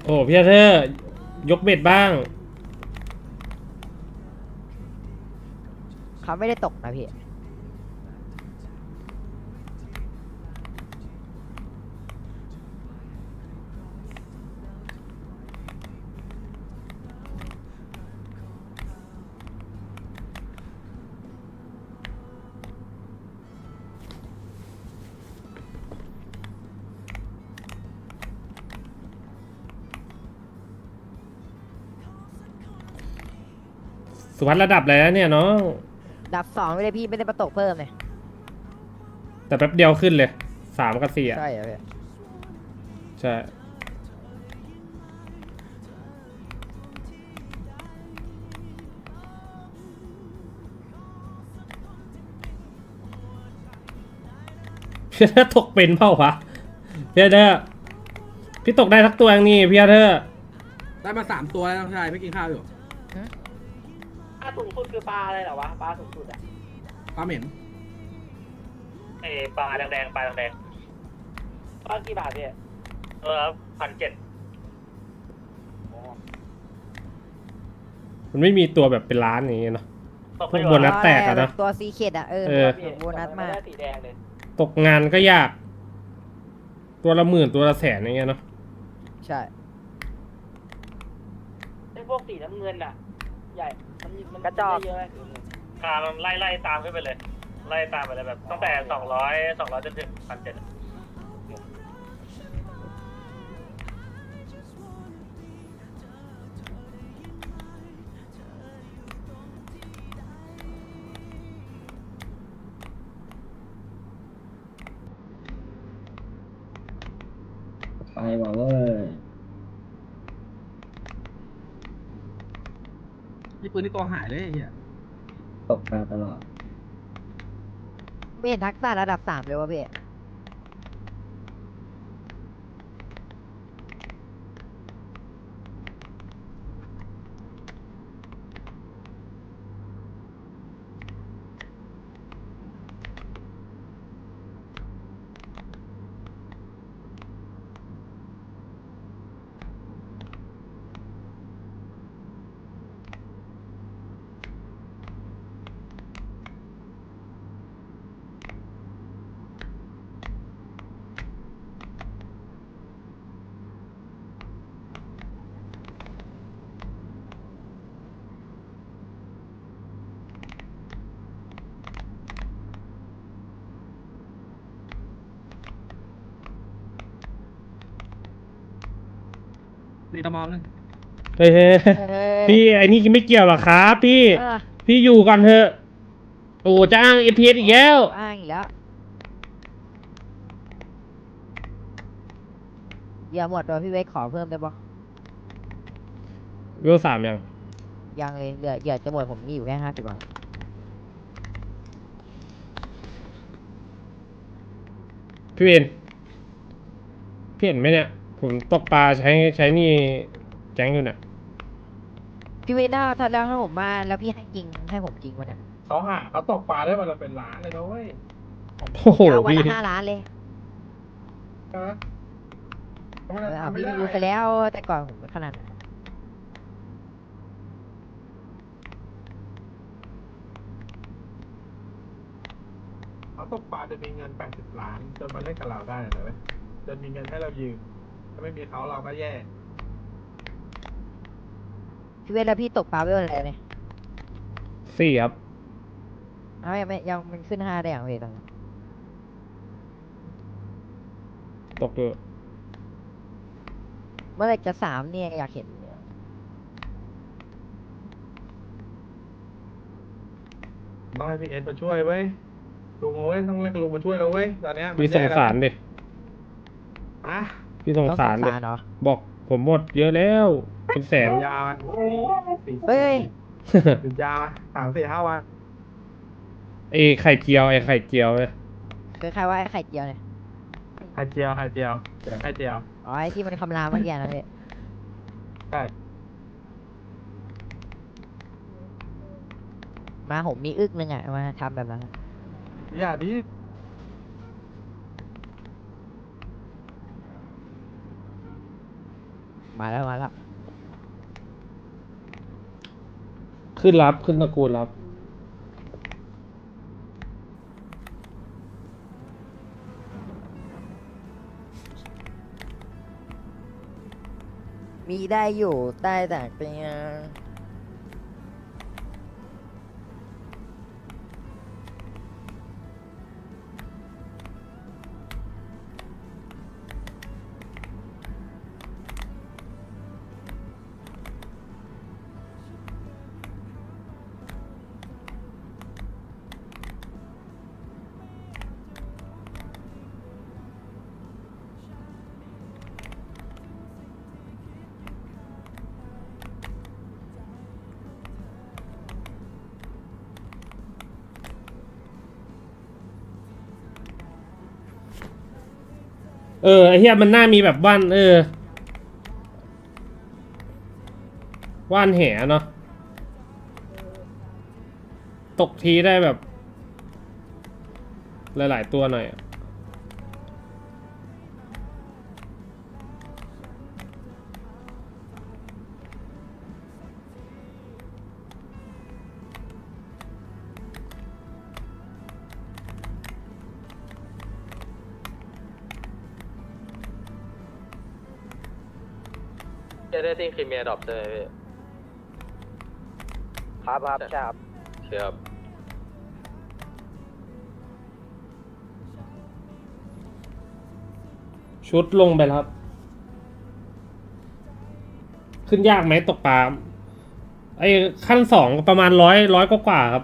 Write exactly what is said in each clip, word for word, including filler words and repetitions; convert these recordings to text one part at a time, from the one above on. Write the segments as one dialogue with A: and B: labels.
A: โอ้พี่เธอร์ยกเบ็ดบ้าง
B: เขาไม่ได้ตกนะพี่
A: สุวัสดระดับอะไรแล้วเนี่ยน้อง
B: ดับสองไม่ได้พี่ไม่ได้มาตกเพิ่มเลย
A: แต่แป๊บเดียวขึ้นเลยสามกับสี่อ่ะ
B: ใช่เหรอพี่
A: ใช่พี่เธอร์ตกเป็นเปล่าวะพี่เธอร์พี่ตกได้สักตัวอย่างนี่พี่เธอร์
C: ได้มาสามตัวแล้วน้องชายไม่กินข้าวอยู่
D: ปลาสูงสุดคือปลาอะไรเหรอวะปลาสูงสุดอะ
C: ปลาเหม็น
D: เอปลาแดงๆปลาแดงปลากี่บาทพี่เออพันเจ็ด
A: มันไม่มีตัวแบบเป็นล้านอย่างเงี้ยเนาะพวกโบนัสแตกอะเนาะ
B: ตัวซีเคดอะเออ
A: เออ
B: โบนัสมาก
D: สีแดงเลย
A: ตกงานก็ยาก ตัวละหมื่นตัวละแสนอย่างเงี้ยเนาะ
B: ใช่
D: ไอ้พวกสีน้ำเงินอะใหญ่มันมันกระจอกเยอะไหมอ่ามันไล่ไล่ตามขึ้นไปเลย ไล่ตามไปเลยแบบตั้งแต่สองร้อยสองร้อยจนถึงพันเจ็ด
E: ไปบอกว่า
C: นี่ปืนที่ตัวหายเลยไอ้เฮีย
E: ตกปลาตลอด
B: ไม่เห็นทักษะระดับสามเลยวะพี่
C: ตีตะมอมเลย
A: เฮ้ย
B: เออ
A: พี่ไอ้นี่ไม่เกี่ยวหรอกครับพี่
B: เออ
A: พี่อยู่ก่อนเถอะโอ้จ้างเอพีเอสอีกแล้ว
B: อ้างอีกแล้วเดี๋ยวหมดตัวพี่เวกขอเพิ่มได้ปะ
A: เวลสามยัง
B: ยังเลยเหลือเหลือจะหมดผมมีอยู่แค่ห้าสิบบาท
A: พี่เวนพี่เห็นไหมเนี่ย ผมตกปลาใช้ใช้นี่แจ้งอยู่เนี่ย
B: พี่เวกน่าถ้าแล้วถ้าผมมาแล้วพี่ให้จริงให้ผมจริงวะเนี่ย
C: เขาหาเขาตกปลาได้วันละเป็นล้านเลยนะเว้ย
A: โอ้โห
B: เอาวัน
A: พี่
B: ละห้าล้านเลย
C: ฮะ
B: เออเอาพี่รู้ไปแล้วแต่ก่อนผมไม่ขนาดนั้น
C: เขาตกปลาจะมีเงินแปดสิบล้านจนมาเล่นกับเราได้เลยเว้ยจนมีเงินให้เรายืมถ้าไม่มีเขาเราก็แย่
B: พี่เวกแล้วพี่ตกปลาไปวันอะไรเนี่ย
A: สี่ครับ
B: เอายังไม่ยังมันขึ้นห้าได้อย่างเวกตอนนี้
A: ตกอยู่
B: เมื่อไหรจะสามเนี่ยอยากเห็นเนี่ย
C: ต้องให้พี่เอ็นมาช่วยเว้ยลุงเอาเว้ยต้องเรียกลุงมาช่วยเราเว้ยตอนเนี้ยมัน
A: พี่สงสารดิ
C: อะ
A: พี่สง
B: ต้อง
A: สาร
B: สง
A: ดิ
B: สารเนาะ
A: บอกผมหมดเยอะแล้ว เป็นแสน
C: ยาวๆอะ
B: เฮ้ย
C: หยุดยาวอะสามสี่ห้าวัน
A: ไอ้ไข่เจียวไอ้ไข่เจียวเลย
B: คือใครว่าไอ้ไข่เจียวเนี่ย
C: ไข่เจียวไข่เจียวไข่เจียว
B: อ๋อไอ้ที่มันคำรามเมื่อกี้นะพี่
C: ใช่
B: มาผมมีอึกนึงอ่ะมาทำแบบนั้น
C: อย่าดิ
B: มาแล้วมาแล้ว
A: ขึ้นรับขึ้นตระกูลรับ
B: มีได้อยู่ใต้แต่เตียง
A: เออไอเฮียมันน่ามีแบบว่านเออว่านแหเนาะตกทีได้แบบ หลายๆตัวหน่อยอะ
D: จะได้ทิ้งครีเมียดรอปใช่ไหมพี่
B: ครับครับใช่ครับ
D: ครับ
A: ชุดลงไปแล้วครับ ขึ้นยากไหมตกปลาไอ้ขั้นสองประมาณร้อยร้อยกว่าๆครับ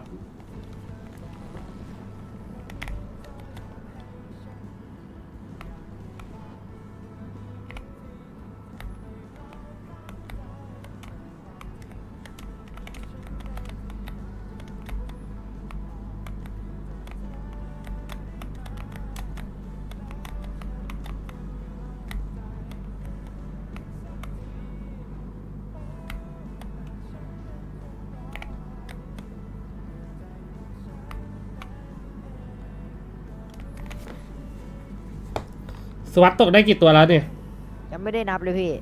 A: สวัสดตกได้กี่ตัวแล้วเนี่ย
B: ยังไม่ได้นับเลยพี่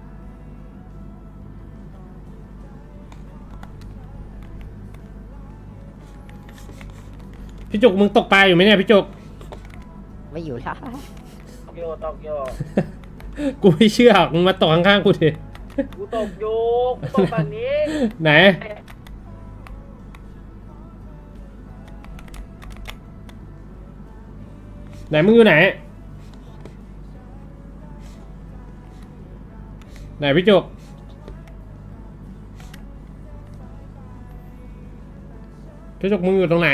A: พี่จุกมึงตกปลาอยู่ไหมเนี่ยพี่จุก
B: ไม่อยู่แล้ว
D: ตกโยตกโย
A: กูไม่เชื่อมึงมาตกข้างๆกูดิ
D: กูตกโยกูตกฝั่งนี้
A: ไหน ไหนมึงอยู่ไหน ไหนพี่จุกพี่จุกมึงอยู่ตรงไหน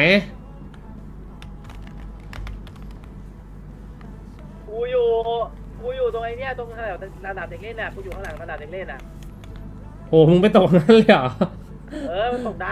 D: กูอยู่กูอยู่ตรงไอ้เนี้ยตรงแถวระดับเด็กเล่นน่ะกูอยู่ข้างหลังระดับเด็กเล่นน่ะ
A: โหมึงไปตกนั้นเลยเหรอ
D: เออมันตกได้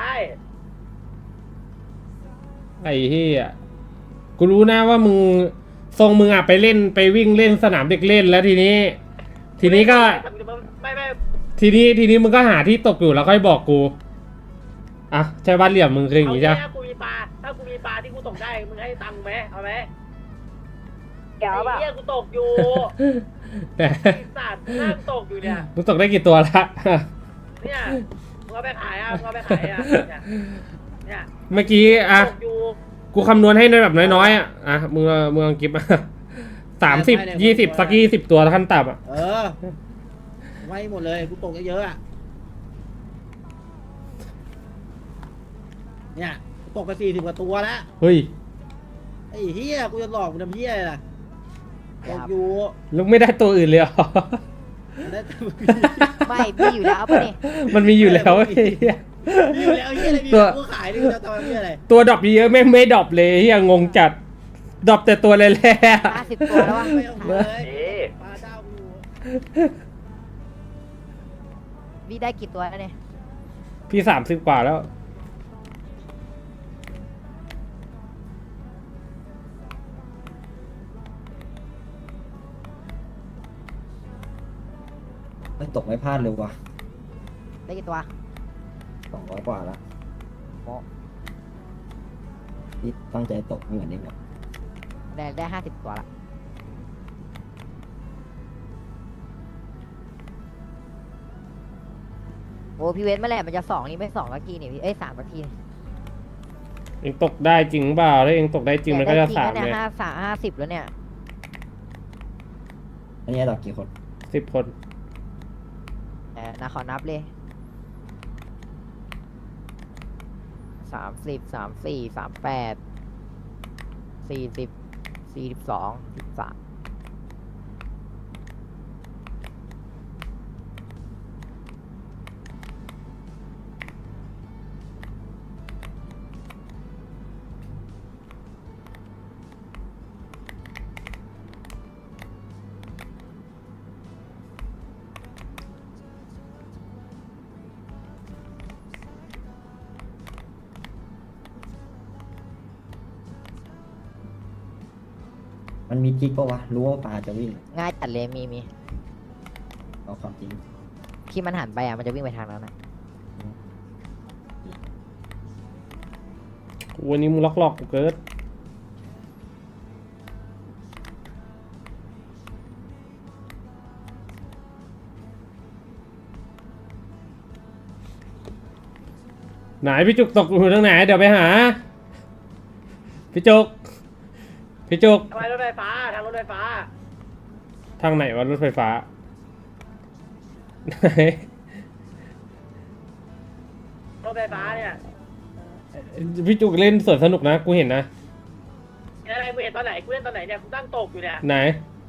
A: ไอ้เหี้ยกูรู้นะว่ามึงทรงมึงอ่ะไปเล่นไปวิ่งเล่นสนามเด็กเล่นแล้วทีนี้ ทีนี้ก็
D: ไม่ไม่
A: ทีนี้ทีนี้มึงก็หาที่ตกอยู่แล้วค่อยบอกกูอ่ะใช่บ้านเหลี่ยมมึงคืออย่าง
D: เอา
A: งี้
D: แค่
A: ใช่ปะ
D: กูมีปลาถ้ากูมีปลาที่กูตกได้มึงให้ตังค์ไหมเอาไหม
B: เดี๋ยว
D: ไอ้
B: แบบ
D: เหี้ยกูตกอยู่
A: แต่
D: ไอ้สัตว์นั่งตกอยู่เนี่ย
A: มึงตกได้กี่ตัวละ
D: เนี่ยมึงเอาไปขายอ่ะมึงเอาไปขายอ่ะเนี่ยเนี่ย
A: เมื่อกี้อ่ะ
D: ตกอยู่
A: กูคำนวณให้ในแบบน้อยๆอ่ะอ่ะมึงเอามึงเอากิฟต์ สามสิบยี่สิบสักยี่สิบตัวขั้นต่ำอ่ะ
F: เออ ไว้หมดเลย กูตกเยอะๆอ่ะ เนี่ยกูตกไปสี่สิบกว่าตัวแล้ว
A: เฮ้ย
F: ไอ้เฮียกูจะหลอกมึงทำเฮียอะไรล่ะตกอยู่
A: ลูกไม่ได้ตัวอื่นเลยเหรอ
F: ได้แต่มึง
B: ไม่พี่อยู่แล้วปะนี่
A: มันมีอยู่แล้วไอ้เหี้ย
F: มีอยู่แล้วเฮียอะไรมี
A: ตัว
F: กูขายดิกูจะทำเฮียอะไร
A: ตัวดรอปเยอะไม่ไม่ดรอปเลยเฮียงงจัดดรอปแต่ตัวแร่
B: ห้าสิบตัวแล้ววะ
F: ไม่เอาเลย
D: เอ๊ะ
F: ปลาเจ้ากู
B: พี่ได้กี่ตัวแล้วเนี่ย
A: ๆพี่สามสิบกว่าแล้ว
E: ไม่ตกไม่พลาดเลยว่ะ
B: ได้กี่ตัว
E: สองร้อยกว่าละที่ตั้งใจตกไม่เหมือนนี่หมด
B: ได้ได้ห้าสิบตัวละโอ้พี่เวทเมื่อไหร่มันจะสองนี่ไม่สองสักทีนี่พี่เอ้ยสามสักทีนี่
A: เองตกได้จริงเปล่าถ้าเองตกได้จริงมันก็จะสาม
B: แต่ได้จริงนะ
A: เลย
B: เนี่ยห้าสามห้าสิบแล้วเนี่ย
E: อันนี้ดอกกี่คน
A: สิบคน
B: แต่นะขอนับเลยสามสิบสามสี่สามแปดสี่สิบสี่สิบสองสิบสาม
E: มันมีกิ๊กปะวะรู้ว่าปลาจะวิ่ง
B: ง่ายจัดเลยมีมี
E: เอาความจริง
B: ที่มันหันไปอ่ะมันจะวิ่งไปทางนั้นนะ
A: วันนี้มึงล็อกหลอกกูเกิดไหนพี่จุกตกอยู่ทางไหนเดี๋ยวไปหาพี่จุกพี่จุก
F: ทำไมรถไฟฟ้าทางรถไฟฟ้า
A: ทางไหนวะรถไฟฟ้าไหน
F: รถไฟฟ้าเนี่ย
A: พี่จุกเล่นสวนสนุกนะกูเห็นนะ
F: อะไรกูเห็นตอนไหนกูเล่นตอนไหนเนี่ยกูตั้งตกอยู่เนี่ย
A: ไหน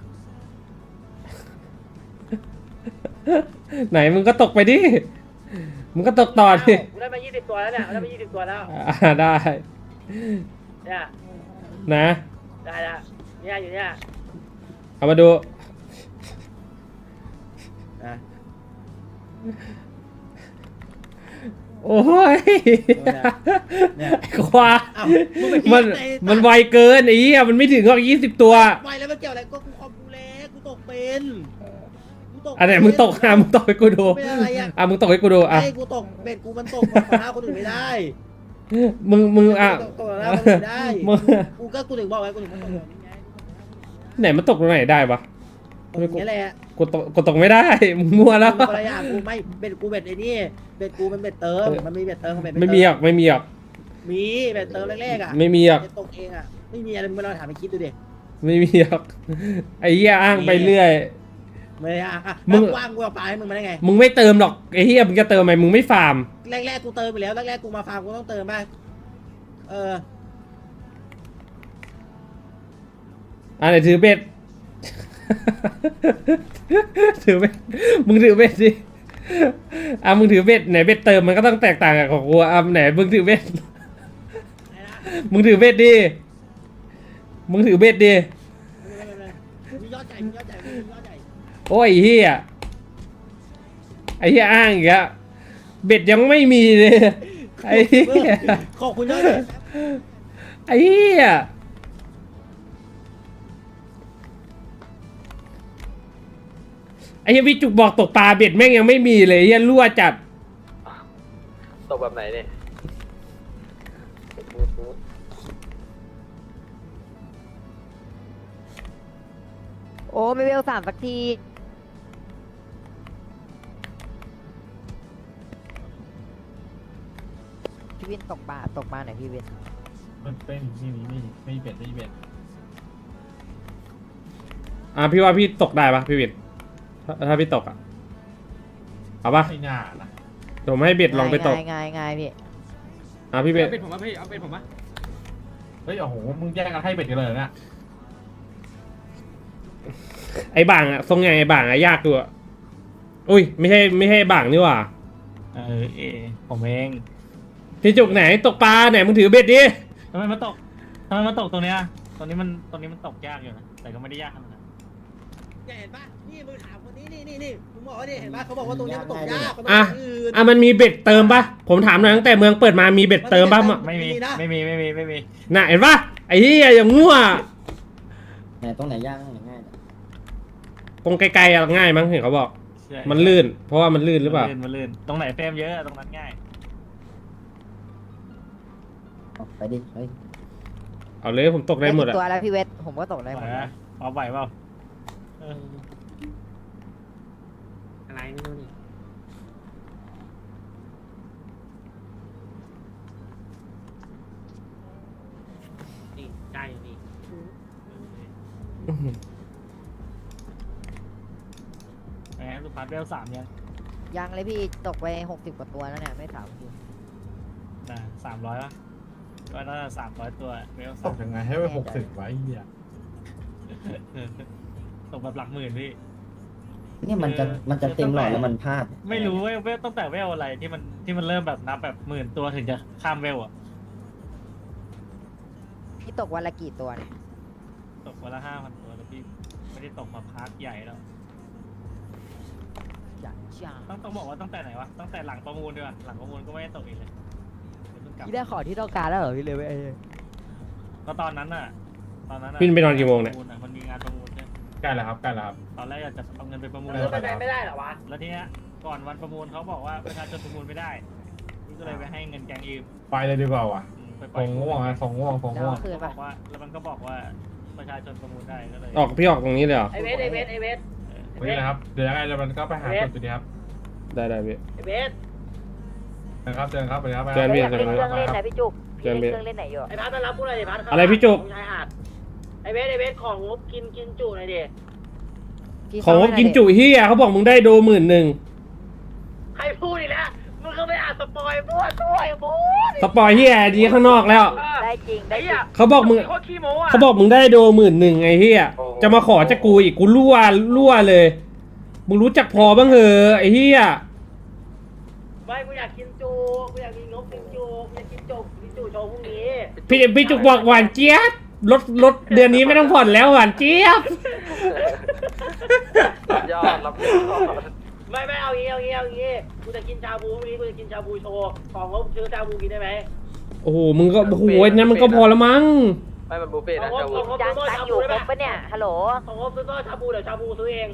A: ไหนมึงก็ตกไปดิมึงก็ตกต่อดิ
F: กูได้มายี่สิบตัวแล้วเนี่ยกูได้มายี่สิบตัวแล้ว
A: อ่าได้
F: เนี่ย
A: นะ
F: ได้ละเนี่ยอยู่เนี่ย
A: เอามาดู
F: นะ
A: โอ้ย
F: เนี่ย
A: ไอ้ควาย
F: อ้าวมึงไปคิด
A: มัน
F: ใน
A: มันไวเกินไอ้เหี้ยมันไม่ถึงหรอกยี่สิบตัว
F: ไปแล้วมันเกี่ยวอะไรก็กูคอมกูเล็กกูตกเป็นกูตก
A: อันไหนมึงตกอ่ะมึงตกให้กูดู
F: เป็นอะไรอ่ะ
A: อ่ะมึงตกให้กูดูอ่ะ
F: ไอ้กูตกเบ็ดกูมันตกของหน้าคนอื่นไม่ได้
A: มึงมึงอ่ะ
F: ตกตกหน้าคนอื่นไม่ได้
A: มึง
F: กูก็กูถึงบอกไว้กูถึงบอกว่านี่ไง
A: ไหนมันตกตรงไหนได้ปะ
F: ตรงนี้แหละ
A: กูตกกูตกไม่ได้มึงมั่วแล้ว
F: กูคนละอย่างกูไม่เบ็ดกูเบ็ดไอ้นี่เบ็ดกูมันเบ็ดเติมมันมีเบ็ดเติมของเบ็ด
A: ไม่มีหรอกไม่มีหรอก
F: มีเบ็ดเติมแรกๆอ่ะ
A: ไม่มีหรอก
F: จะตกเองอ่ะไม่มีอะไรมึงลองถามไปคิดดูดิ
A: ไม่มีหรอกไอ้เหี้ยอ้างไปเรื่อย
F: ไม่อ่ะอ่ะ
A: มึง
F: ว่างกูเอาปลาให้มึงมาได้ไง
A: มึงไม่เติมหรอกไอ้เหี้ยมึงจะเติมไหมมึงไม่ฟาร์ม
F: แรกๆกูเติมไปแล้วแรกๆกูมาฟาร์มกูต้องเติมบ้างเออ
A: อ่ะไหนถือเบ็ด ถือเบ็ดมึงถือเบ็ดสิอ่ะมึงถือเบ็ดไหนเบ็ดเติมมันก็ต้องแตกต่างกับของกูอ่ะไหนมึงถือเบ็ด
F: ไหนนะ
A: มึงถือเบ็ดดิมึงถือเบ็ดดิ
F: ไม่ไม่ไม่มียอดใหญ่มียอดใหญ่มียอดใหญ่
A: โอ้ยไอ้เฮียไอ้เฮียอ้างอีกแล้วเบ็ดยังไม่มีเลยไอ้เฮีย
F: ขอบคุณยอดใหญ่
A: ไอ้เฮียไอ้เฮียพี่จุกบอกตกปลาเบ็ดแม่งยังไม่มีเลยเฮียรั่วจัด
D: ตกแบบไหนเนี่ย
B: โอ้ไม่เวลสามสักทีพี่วินตกปลาตกปลาไหนพี่วิน
C: มันเป็นนี่นี่นี่ไม่เบ็ดไม่เบ็ด
A: อ่ะพี่ว่าพี่ตกได้ปะพี่วินถ้าถ้าพี่ตกอ่ะเอาปะ
C: ไม่น่านะ
A: เดี๋ยวผมให้เบ็ดลองไปตก
B: ง่ายง่ายง่ายพี่
A: อ่ะพี่เบ็ด
C: เอาเป็ดผมมาพี่เอาเป็ดผมมาเฮ้ยโอ้โหมึงแย่งกันให้เบ็ดกันเลยเหรอเนี่ย
A: ไอ้บ่างอ่ะทรงไงไอ้บ่างอ่ะยากตัวอุ้ยไม่ใช่ไม่ใช่บ่างนี่หว่า
G: เออเอผมเอง
A: พี่จุกไหนตกปลาไหนมึงถือเบ็ดดิ
G: ทำไมมันตกทำไมมันตกตรงเนี้ยตรงนี้มันตรงนี้มันตกยากอยู่นะแต่ก็ไม่ได้ยากขนาดนั้น
F: เนี่ยเห็นปะนี่มึงถามคนนี้นี่นี่นี่มึงบอกว่าดิเห็นปะเขาบอกว่าตรงเนี้ยมันตกยากมันตก
A: อ่ะ
F: ที่อื่น
A: อ่ะมันมีเบ็ดเติมปะผมถามหน่อยตั้งแต่เมืองเปิดมามีเบ็ดเติมปะมะ
G: ไม่มี
F: มีนะ
G: ไม่มีไม่มีไม่มี
A: น่ะเห็นปะไอ้เหี้ยอย่างงัว
E: ไหนตรงไหนยากตรงไหนง่ายเนี่ย
A: ตรงไกลๆอะง่ายมั้งเห็นเขาบอก
G: ใช่
A: มันลื่น เพราะว่ามันลื่นหรือเปล่า
G: มันลื่นมันลื่นตรงไหนเฟรมเยอะตรงนั้นง่าย
E: เอาไปดิเฮ้ย
A: เอาเลยผมตกได้หมด
B: กี่
A: อะ
B: ตัวแล้วพี่เวทผมก็ตกได้หม
G: ไหว
B: ด
G: ไหม
B: นะ
G: เอาไหวเปล่าเออ
F: อะไรไม่รู้นี่
G: งสุพัฒน์เวลสามยัง
B: ยังเลยพี่ตกไปหกสิบกว่าตัวแล้วเนี่ยไม่สามสิบ
G: นะสามร้อยป่ะก็น่าจะสามร้อยตัวเวล
C: ต
G: สาก ม
C: ยังไงให้ไปหกสิบไว้เหี้ย
G: ตกแบบหลักหมื่นพี่
E: เนี่ยมันจะมันจะเต็มหลอดแล้วมันพลาด
G: ไม่รู้เวลเวลตั้งแต่เวลอะไรที่มันที่มันเริ่มแบบนับแบบหมื่นตัวถึงจะข้ามเวลอะ
B: พี่ตกวันละกี่ตัวเนี่ย
G: ตกวันละห้าพันตัวแล้วพี่ไม่ได้ตกมาพักใหญ่แล้ว
B: จ้าจ้า
G: ต้องต้องบอกว่าตั้งแต่ไหนวะตั้งแต่หลังประมูลด้วยวะหลังประมูลก็ไม่ได้ตกอีกเลยเดี๋ยวเพิ่งกลับ
B: พี่ได้ของที่ต้องการแล้วเหรอพี่เลยเว้ย
G: ก็ตอนนั้นน่ะตอนนั้นน่ะ
A: พี่ไปนอนกี่โมงเนี่ย
G: ประะมันมีงานประมูลใช่
C: ใกล้แล้วครับใกล้แล้วครับ
G: ตอนแรกอยากจะเอาเงินไปประมูล
C: เออ
D: ไปไหนไม่ได้เหรอวะ
G: แล้วทีเนี้ยก่อนวันประมูลเขาบอกว่าประชาชนประมูลไม่ได้พี่ก็เลยไปให้เงินแกงยืม
C: ไปเลยดีกว่าว่ะ
G: อืมไปป
C: ฟ
G: ล่อย
C: งง่วงอะฟงง่วงฟง
B: แล้ว
C: ง่วง
B: เอาคืน
G: ก็บ
B: ปะ
G: อกว่าแล้วมันก็บอกว่าประชาชนประมูลได้ก็เลย
A: ออกพี่ออกตรงนี้เลยเหรอ
D: ไอเวสไอเวสไอเวส
G: เออ
C: วันนี้นะครับเดี๋ยวยังไงเดี๋ยวมันก็ไปหาจุดจุดนี้ครับ
A: ได้ได้พี่
D: ไอเวส
C: นะครับเจอกันครับไปครับไป
A: เจอกันพี่
B: อยากเล่นเครื่องเล่นไหนพี่จุก
A: เชิญพี่
B: เล่นเครื่องเล่นไหนอยู่
D: ไอพัดมารับกูหน่อยดิพัด
A: อะไรพี่จุก
D: ชายหาดไอเวสไอเวสของงบกินกินจุหน่อยดิ
B: พี่
A: ของงบกินจุเฮียเขาบอกมึงได้โดหมื่นหนึ่ง
D: ใครพูดอีกแล้วมึงก็ไม่อ่านสปอยล์มั่วตัวไอ้บูด
A: สปอยเฮียดีข้างนอกแล้ว
B: ได้จริงได้
D: ไอ้
B: จริ
D: เหี้ย
B: ง
A: เขาบอกมึง
D: โคตรขี้โม้อะ
A: เขาบอกมึงได้โดหมื่นหนึ่งไอ้เฮียจะมาขอจากกูอีกกูรั่วรั่วเลย มึงรู้จักพอบ้างเหอะไอ้เฮีย
D: ไม่กูอยากกินจูกูอยากกินงบกินจูกูอยากกินจุกินจูโชว์พรุ่งนี้
A: พี่พี่จุกบอกหวานเจี๊ยบรถรถเดือนนี้ไม่ต้องผ่อนแล้วหวานเจี๊ยบ
D: ยอดรับยอดไม่ไม่เอางี้เอางี้เอางี้กูจะกินชาบูพรุ่งนี้กูจะกินชาบูโชว์ของงบซื้อชาบูกินได้ไหม
A: โอ้โหมึงก็โอ้โหนั้นมันก็พอแล้วมั้ง
D: ไม่มันบุฟเฟ่ต์นะชาบู
B: ยังตังอยู่ครบปะเนี่ยฮัลโหล
D: ของงบซื้อชาบูเดี๋ยวชาบูซื้อเอง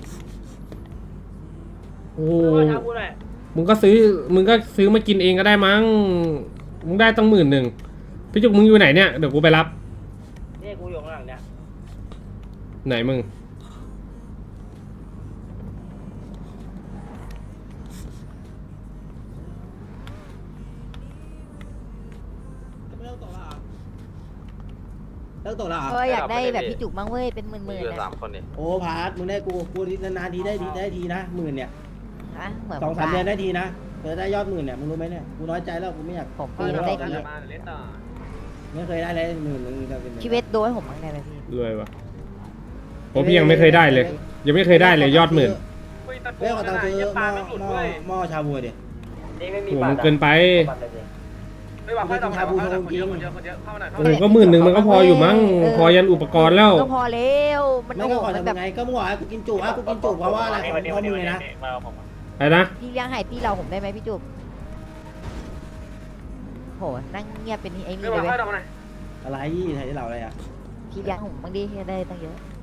A: โอ้โห
D: ซื้อชาบูหน่อย
A: มึงก็ซื้อมึงก็ซื้อมากินเองก็ได้มั้งมึงได้ตั้งหมื่นหนึ่งพี่จุกมึงอยู่ไหนเนี่ยเดี๋ยวกูไปรับ
D: นี่กูอยู่ข้างหลังเนี่ย
A: ไหนมึง
F: เลิกตกแล้วเหรอเลิกตกแล้วเหรอ
B: เอออยากได้แบบพี่จุกบ้างเว้ยเป็นหมื่นๆนะ
F: โอ้พาร์ทมึงได้กูกูนานๆทีได้ทีได้ทีนะหมื่นเนี่ย
B: ฮะเหมือน
F: สองสาม
B: ผ
F: เดือนได้ทีนะเธอได้ยอดหมื่นเนี่ยมึงรู้ไหมเนี่ยกูน้อยใจแล้วกูไม่อยาก
B: ผมพี่ได้ที
F: ไม่เคยได้เลยหมื่นหนึงจะเป็น
B: ชีวิตโดยผมบ้างได้ไหมพี่
A: รวยวะผมพี่ยังไม่เคยได้เลย ยังไม่เคยได้เลยยอดหมื่น
F: เรื่องของตังค์ซื้อหม้อหม้อหม้อชาบูดิ
D: นี่ไม่มี
A: โอ้โห
D: บั
A: มั
D: ต
A: น
D: ร
A: เกินไป
D: ไม่ว่าค่อยทำชาบูโชว์จริงคนเยอะคนเยอะเข้าหน่อย
A: โอ้โหก็หมื่นหนึ่งมันก็พออยู่มั้งพอยันอุปกรณ์แล้ว
B: ก็พอแล้วมัน
F: ไม่
B: โอ้
F: ก็
B: โห
F: ขอ
B: มัน
F: ทำ
B: แบ
F: ยั
B: บ
F: งไงก็มึงบอกให้กูกินจุอ่ะกูกินจุเพราะว่าอะไรของข้อมือนะ
G: มาเอาผมอะ
A: อะไรนะ
B: พี่เลี้ยงไห่พี่เราผมได้ไหมพี่จุกโหนั่งเงียบเป็นไอ้นี่
D: ไม่
B: เล
D: ว่าย
B: เว้
D: ค่อย
B: ย
D: ทำอะไร
F: อะไรไทยเราอะไรอ่ะ
B: พี่เลี้ยงผมบางทีได้ตั้งเยอะ